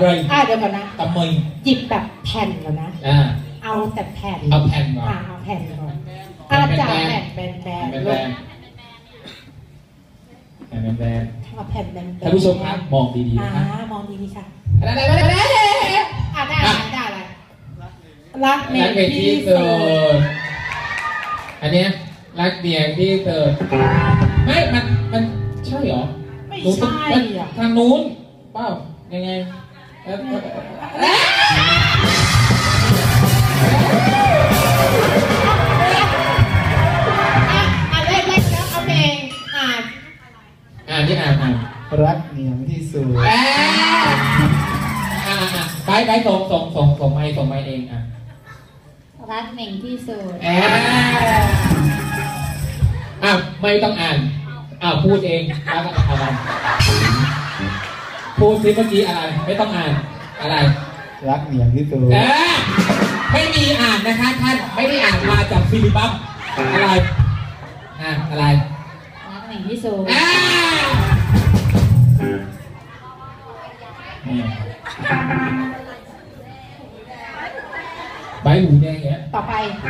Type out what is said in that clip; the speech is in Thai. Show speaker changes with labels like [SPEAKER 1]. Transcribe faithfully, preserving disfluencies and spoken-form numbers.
[SPEAKER 1] อะไร
[SPEAKER 2] อ่าเดี๋ยวก่อนนะ
[SPEAKER 1] ทำไม
[SPEAKER 2] หยิบแบบแผ่นก่อนนะ
[SPEAKER 1] อ่า
[SPEAKER 2] เอาแต่แผ่น
[SPEAKER 1] เอาแผ่นก่อน
[SPEAKER 2] อ่าเอาแผ่นก่อนอาจารย์แผ่นแบนแบนแบนแบน
[SPEAKER 1] แบน
[SPEAKER 2] เอาแผ่นแบน
[SPEAKER 1] ท่านผู้ชมครับมองดีๆนะ
[SPEAKER 2] มองดีๆค่ะ
[SPEAKER 1] อะไรอะไรอะไร
[SPEAKER 2] อ่าได้ได้อะไรรักเมียที่สุด
[SPEAKER 1] อันเนี้ยรักเมียที่สุดไม่มันมันใช่เหรอ
[SPEAKER 2] ไม่ใช่อ่ะ
[SPEAKER 1] ทางนู้นเปล่ายังไงอ่ะ
[SPEAKER 2] อ่านเล่นเล่นแล้วเอาเพลงอ่าน
[SPEAKER 1] อ่านที่อ่านอ่าน
[SPEAKER 3] รักเหนียวที่สุด
[SPEAKER 1] อ่าอ่าอ่าไปไปส่งส่งส่งส่งไม่ส่งไม่เองอ่ะ
[SPEAKER 2] รักเหน่งที่สุด
[SPEAKER 1] อ่าอ้าวไม่ต้องอ่านอ้าวพูดเองแล้วก็อะไรพูดซิเมื่อกี้อะไรไม่ต้องอ่านอะไร
[SPEAKER 3] รักเหนียวที่สุด
[SPEAKER 1] ไม่มีอ่านนะคะท่านไม่ได้อ่านมาจากฟิลิปปัสอะไรอ่าอะไร
[SPEAKER 2] รักเหน่งที่สุด
[SPEAKER 1] ใบหูแดงเงี้ย
[SPEAKER 2] ต่อไป